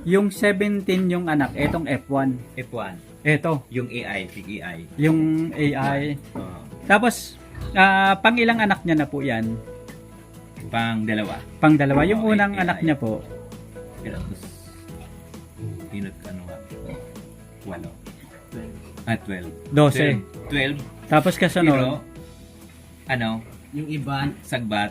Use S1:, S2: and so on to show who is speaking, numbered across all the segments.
S1: Yung 17 yung anak, etong F1.
S2: F1.
S1: Eto,
S2: Yung AI, big AI.
S1: yung AI.
S2: Oo.
S1: Tapos, pang ilang anak niya na po yan?
S2: Pang dalawa.
S1: Pang dalawa. Yung
S2: Oo,
S1: unang
S2: AI.
S1: anak niya po,
S2: Tapos, pinot ano nga. 12.
S1: 12.
S2: 12.
S1: Tapos
S2: Pero,
S1: kasunod,
S2: ano,
S3: Yung iba,
S2: sagbat.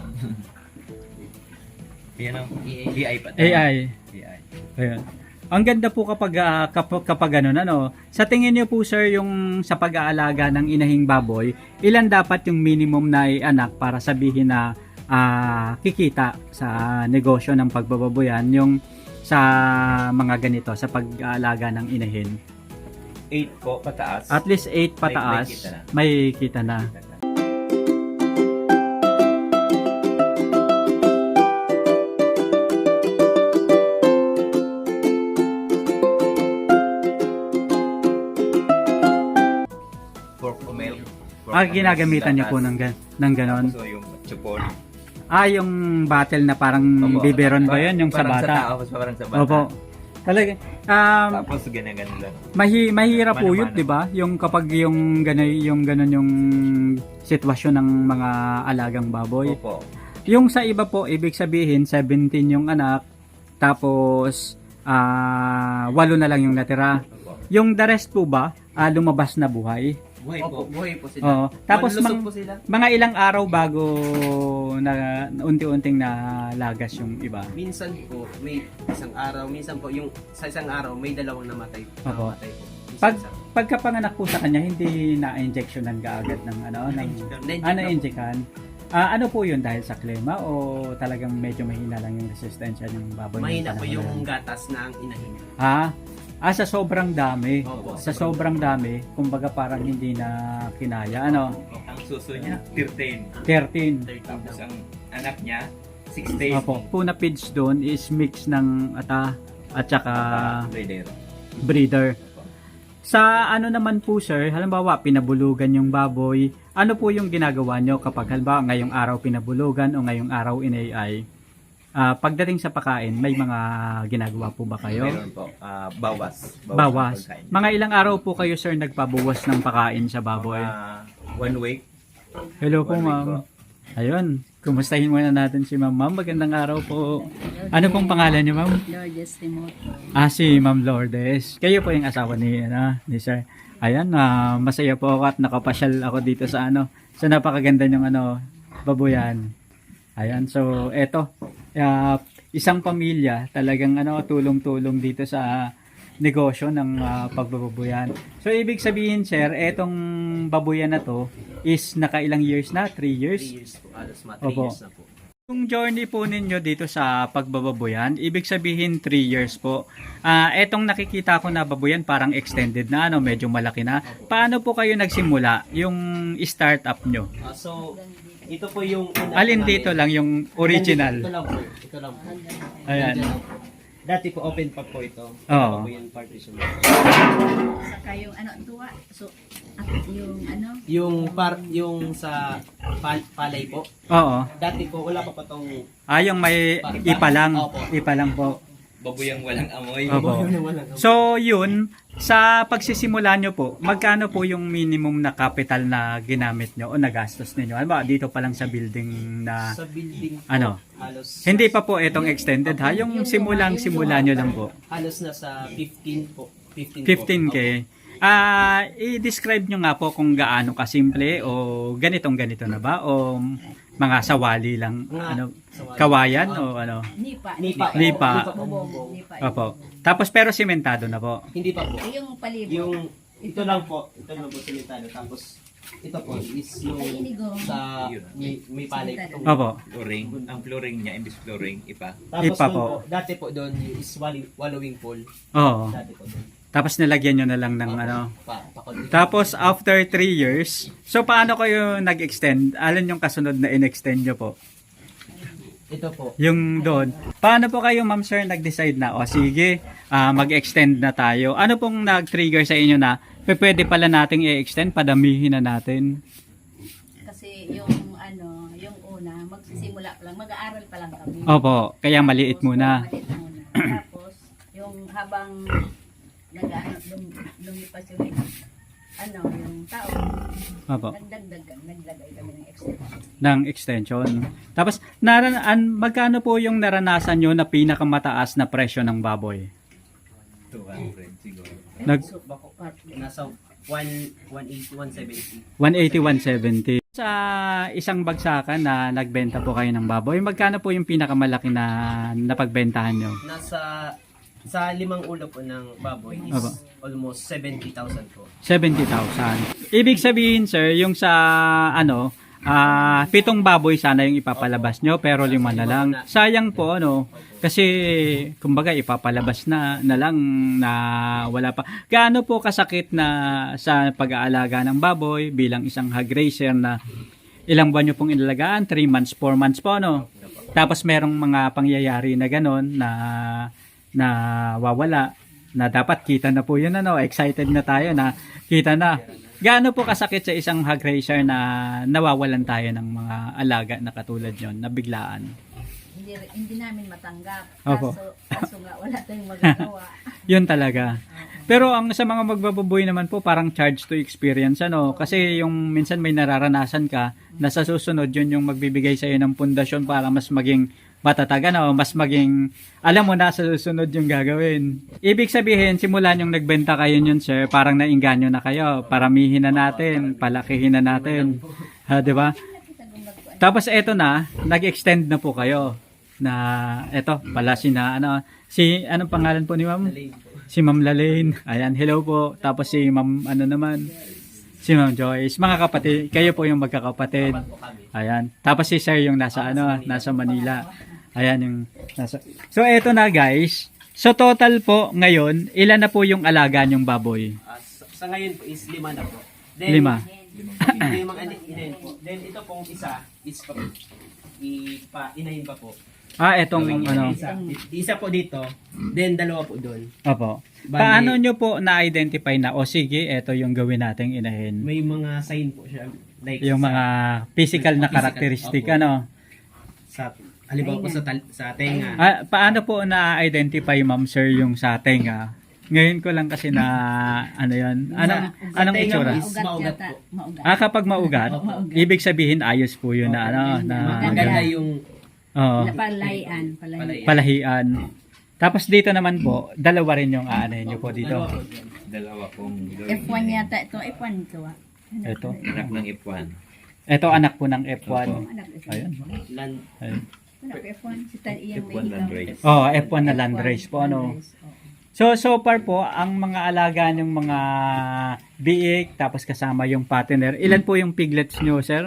S2: Yan o. AI pa.
S1: AI.
S2: AI.
S1: Ayun. Ang ganda po kapag ganun, ano. Sa tingin niyo po sir, yung sa pag-aalaga ng inahing baboy, ilan dapat yung minimum na anak para sabihin na kikita sa negosyo ng pagbababoyan yung sa mga ganito, sa pag-aalaga ng inahin?
S2: 8 po pataas.
S1: At least 8 pataas, may kita na.
S2: Pork milk.
S1: Ginagamitan niyo po ng ganon.
S2: So yung chupon.
S1: Yung battle na parang biberon ba yun? Yung sa
S2: Parang
S1: bata?
S2: Parang sa bata.
S1: Opo. Talaga.
S2: Tapos ganyan lang.
S1: Mahirap po yun,
S2: Mano-mano.
S1: 'di ba? Yung kapag yung ganon yung sitwasyon ng mga alagang baboy.
S2: Opo.
S1: Yung sa iba po, ibig sabihin 17 yung anak, tapos 8 na lang yung natira.
S2: Opo.
S1: Yung the rest po ba, lumabas na buhay?
S2: Buhay
S3: opo,
S2: po.
S3: buhay po sila.
S1: Oo. Tapos
S3: Malulusog po sila.
S1: mga ilang araw bago na unti-unting nalagas yung iba.
S3: Minsan po, may isang araw. Minsan po, yung sa isang araw, may dalawang namatay.
S1: Opo.
S3: Namatay po.
S1: Pag pagkapanganak po sa kanya, hindi na-injectionan kaagad ng na-injectan. Ano po yun, dahil sa klema o talagang medyo mahina lang yung resistensya ng baboy?
S3: mahina po
S1: panahon na
S3: yung
S1: yun?
S3: gatas ng inahin.
S1: Sa sobrang dami.
S3: Opo.
S1: Sa sobrang dami, kumbaga parang hindi na kinaya. Ano?
S2: Ang suso niya, 13.
S1: 13.
S2: Tapos ang anak niya, 16.
S1: Opo. Puna feeds doon is mix ng ata at saka
S2: Breeder.
S1: breeder. Sa ano naman po sir, halimbawa pinabulugan yung baboy, ano po yung ginagawa nyo kapag halimbawa ngayong araw pinabulugan o ngayong araw in-AI? Pagdating sa pakain, may mga ginagawa po ba kayo?
S2: Meron po. Bawas.
S1: Bawas.
S2: ng pagkain.
S1: Mga ilang araw po kayo sir nagpabawas ng pakain sa baboy?
S2: 1 week.
S1: Hello po
S2: 1 week
S1: ma'am.
S2: po.
S1: Ayun, kumustahin muna natin si ma'am. Ma'am, magandang araw po. Ano pong pangalan niyo ma'am?
S4: Lourdes Timoto.
S1: Si Ma'am Lourdes. Kayo po yung asawa ni sir. Ayan, masaya po ako at nakapasyal ako dito sa sa napakaganda ng babuyan. Ayan, so eto, isang pamilya talagang tulong-tulong dito sa negosyo ng pagbababoyan. So ibig sabihin sir, etong babuyan na to is nakailang years na? 3 years?
S3: 3 years po. Alos 3
S1: Opo.
S3: years na po.
S1: Yung journey po ninyo dito sa pagbababoyan, ibig sabihin 3 years po. Etong nakikita ko na baboyan parang extended na, medyo malaki na. Paano po kayo nagsimula? Yung startup nyo?
S3: So, ito po yung...
S1: Alin dito lang yung original?
S3: Ito lang po. Ito lang po.
S1: Ayan.
S3: Dati po open pa po ito.
S1: Oo.
S3: Ito po yung partition.
S4: Saka yung tuwa. So, at yung
S3: Yung sa palay po.
S1: Oo.
S3: Dati po wala pa tong
S1: Yung may ipa lang.
S3: Opo.
S1: Ipa lang po.
S2: Baboyang walang amoy.
S1: Opo. So, yun, sa pagsisimula nyo po, magkano po yung minimum na capital na ginamit nyo o nagastos ninyo? Ano ba, dito pa lang sa building na,
S3: sa building po, halos
S1: hindi pa po itong extended ha? Yung simula nyo lang po.
S3: halos na sa 15 po. 15
S1: 15K. I-describe nyo nga po kung gaano kasimple o ganito na ba? O mga sawali lang, kawayan o
S4: nipa.
S1: Nipa.
S4: Bubong. Nipa.
S1: Opo. Tapos pero simentado na po.
S3: Hindi pa po.
S4: Yung palibot.
S3: Yung ito lang po simentado. Tapos ito po is yung
S4: Ay, inigo.
S3: sa may palay po.
S1: Opo.
S2: Flooring. Ang flooring niya, imbis flooring, ipa.
S3: Tapos
S1: Ipa
S3: doon
S1: po.
S3: dati po doon is wallowing pool.
S1: Oo.
S3: Dati po doon.
S1: Tapos nilagyan nyo na lang ng
S3: Pakon.
S1: Tapos after 3 years, so paano kayo nag-extend? Alin yung kasunod na in-extend nyo po?
S3: Ito po.
S1: Yung doon. Paano po kayo ma'am sir nag-decide na, sige, mag-extend na tayo? Ano pong nag-trigger sa inyo na pwede pala nating i-extend, padamihin na natin?
S4: Kasi yung yung una, magsisimula pa lang, mag-aaral pa lang kami.
S1: Opo, kaya maliit muna.
S4: Maliit muna. Tapos, yung yung habang lumipas yung yung tao,
S1: Opo.
S4: naglagay kami ng extension.
S1: Ng extension. Tapos, magkano po yung naranasan nyo na pinakamataas na presyo ng baboy?
S2: 200 siguro.
S4: So, bako,
S3: Nasa 180, 170.
S1: 180, 170. Sa isang bagsakan na nagbenta po kayo ng baboy, magkano po yung pinakamalaki na napagbentahan nyo?
S3: Sa 5 ulo po ng baboy is
S1: Aba.
S3: almost 70,000 po.
S1: 70,000. Ibig sabihin, sir, yung sa 7 baboy sana yung ipapalabas nyo, pero 5 na lang. Sayang po, kasi kumbaga ipapalabas na lang na wala pa. Gaano po kasakit na sa pag-aalaga ng baboy bilang isang hog raiser na ilang buwan nyo pong inalagaan? 3 months, 4 months po, Tapos merong mga pangyayari na ganon na wawala, na dapat kita na po yun, excited na tayo na kita na. Gaano po kasakit sa isang hog raiser na nawawalan tayo ng mga alaga na katulad yon na biglaan?
S4: Hindi namin matanggap.
S1: Opo.
S4: Kaso nga wala tayong magagawa.
S1: Yun talaga. Pero ang sa mga magbababoy naman po, parang charge to experience, Kasi yung minsan may nararanasan ka, na sa susunod yun yung magbibigay sa iyo ng pundasyon para mas maging matatag, mas maging, alam mo na sa susunod yung gagawin. Ibig sabihin, simulan yung nagbenta kayo yun, sir, parang nainganyo na kayo. Paramihin na natin, palakihin na natin. Di ba? Tapos eto na, nag-extend na po kayo. Na eto, pala anong pangalan po ni ma'am? Si Ma'am Lalaine. Ayan, hello po. Tapos si Ma'am si Ma'am Joyce. Mga kapatid, kayo po yung magkakapatid. Ayan. Tapos si Sir yung nasa Manila. Ayan yung nasa. So eto na guys. So total po ngayon, ilan na po yung alaga nyong baboy?
S3: Sa ngayon po is 5 na po.
S1: 5.
S3: 5 inahin po. Then ito pong isa is inahin pa po.
S1: Etong
S3: Isa po dito, then 2 po doon.
S1: Opo.
S3: Bali-
S1: Paano nyo po na-identify na, sige, eto yung gawin nating inahin?
S3: May mga sign po siya. Like
S1: Yung mga physical na
S3: physical,
S1: karakteristik,
S3: opo. Sa halimbawa po sa tenga.
S1: Paano po na-identify, ma'am sir, yung sa tenga? Ngayon ko lang kasi na, yun? Anong
S3: tenga
S1: itsura?
S3: is maugat po.
S4: Maugat.
S1: Kapag maugat, ibig sabihin ayos po yun na,
S3: Maganda yung
S1: Oo,
S4: Palahian.
S1: palahian. Tapos dito naman po, 2 rin yung aanahin nyo po dito.
S2: Dalawa pong
S4: F1 yata ito. F1 ito.
S1: Ito.
S2: anak ng F1.
S1: Ito anak po ng F1.
S4: Anak F1.
S1: Ayun.
S3: land.
S1: Ayun.
S4: Anak F1. Si Iyang
S2: F1 land race.
S1: F1 na land race po, So far po, ang mga alaga ng mga biik, tapos kasama yung partner, ilan po yung piglets nyo, sir?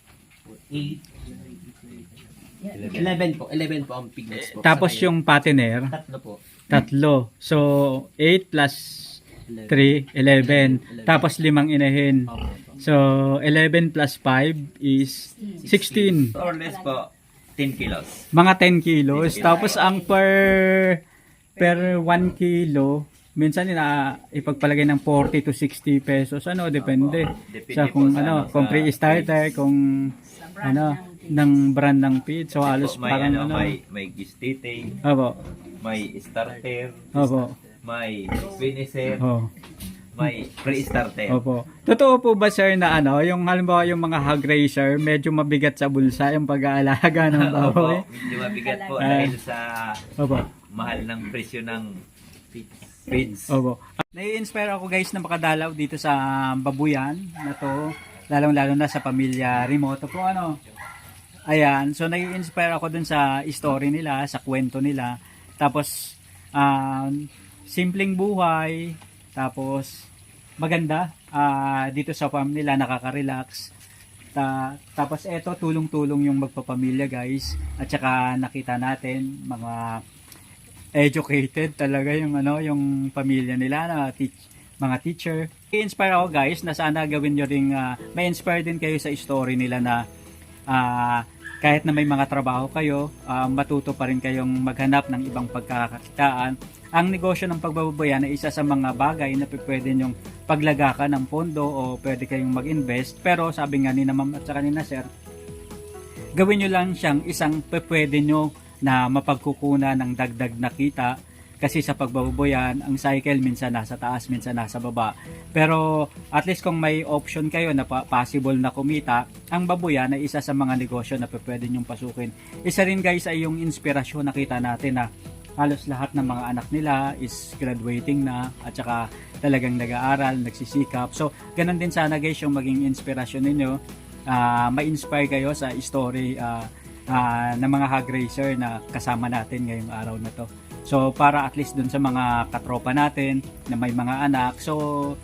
S3: 11 po ang piglets po.
S1: Tapos
S3: Sa
S1: yung partner,
S3: ngayon, 3 po.
S1: 3. So, 8 plus 3, 11. Tapos 5 inahin.
S3: Opo.
S1: So, 11 plus 5 is 16.
S2: Or less po, 10 kilos.
S1: Mga 10 kilos. Tapos ang per 1 kilo, minsan ipagpalagay ng 40 to 60 pesos. Depende.
S2: Depende
S1: Sa
S2: po
S1: kung
S2: sa
S1: kung pre-starter, kung ng brand ng feed. So, halos
S2: May,
S1: parang
S2: may gistite,
S1: Opo.
S2: may starter,
S1: Opo.
S2: may finisher,
S1: Oh.
S2: may pre-starter.
S1: Opo. Totoo po ba sir na yung halimbawa yung mga hog raiser, medyo mabigat sa bulsa yung pag-aalaga ng baboy?
S2: Opo, medyo mabigat po
S1: Ah.
S2: dahil sa
S1: Opo.
S2: mahal ng presyo ng feeds.
S1: Opo. Nai-inspire ako guys na makadalaw dito sa babuyan na to, lalong-lalo na sa pamilya Remoto po Ayan, so nai-inspire ako dun sa story nila, sa kwento nila. Tapos simpleng buhay, tapos maganda dito sa farm nila, nakaka-relax. Tapos eto, tulong-tulong yung magpapamilya guys. At saka nakita natin mga educated talaga yung yung pamilya nila na mga teacher. I-inspire ako guys na sana gawin nyo ring may inspire din kayo sa story nila na kahit na may mga trabaho kayo, matuto pa rin kayong maghanap ng ibang pagkakakitaan. Ang negosyo ng pagbababoyan ay isa sa mga bagay na pwede nyong paglagakan ng pondo o pwede kayong mag-invest. Pero sabi nga ni na ma'am at sa kanina sir, gawin nyo lang siyang isang pwede nyo na mapagkukunan ng dagdag na kita. Kasi sa pagbababoyan, ang cycle minsan nasa taas, minsan nasa baba. Pero at least kung may option kayo na possible na kumita, ang baboyan ay isa sa mga negosyo na pwede nyong pasukin. Isa rin guys ay yung inspirasyon, nakita natin na halos lahat ng mga anak nila is graduating na at saka talagang nag-aaral, nagsisikap. So, ganun din sana guys yung maging inspirasyon ninyo. Ma-inspire kayo sa story ng mga hog racer na kasama natin ngayong araw na to. So, para at least dun sa mga katropa natin na may mga anak. So,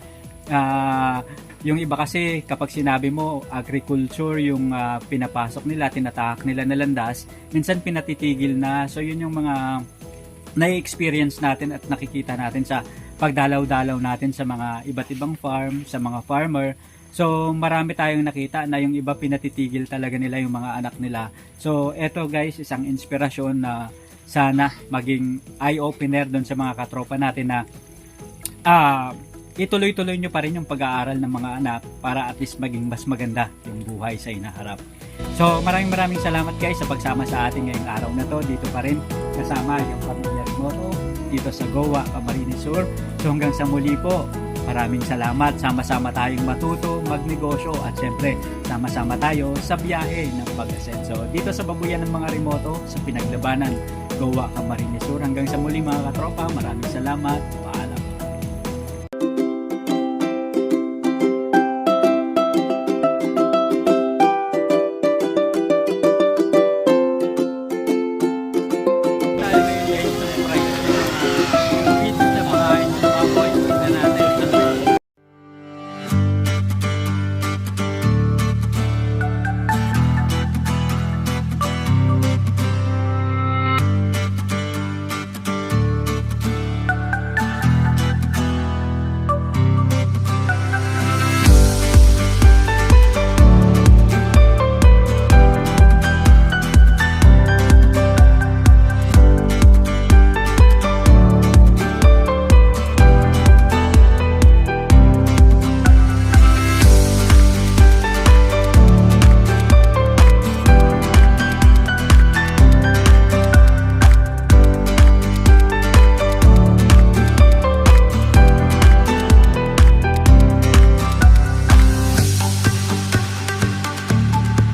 S1: yung iba kasi kapag sinabi mo agriculture yung pinapasok nila, tinatahak nila na landas, minsan pinatitigil na. So, yun yung mga na-experience natin at nakikita natin sa pagdalaw-dalaw natin sa mga iba't ibang farm, sa mga farmer. So, marami tayong nakita na yung iba pinatitigil talaga nila yung mga anak nila. So, eto guys, isang inspirasyon na sana maging eye-opener doon sa mga katropa natin na ituloy-tuloy nyo pa rin yung pag-aaral ng mga anak para at least maging mas maganda yung buhay sa inaharap. So, maraming salamat guys sa pagsama sa ating ngayong araw na to. Dito pa rin kasama yung Pamilya Remoto dito sa Goa, Camarines Sur. So, hanggang sa muli po, maraming salamat. Sama-sama tayong matuto, magnegosyo at syempre sama-sama tayo sa biyahe ng pag-asenso. Dito sa Babuyan ng mga Remoto sa pinaglabanan Goa, Camarines Sur. Hanggang sa muli mga katropa, maraming salamat.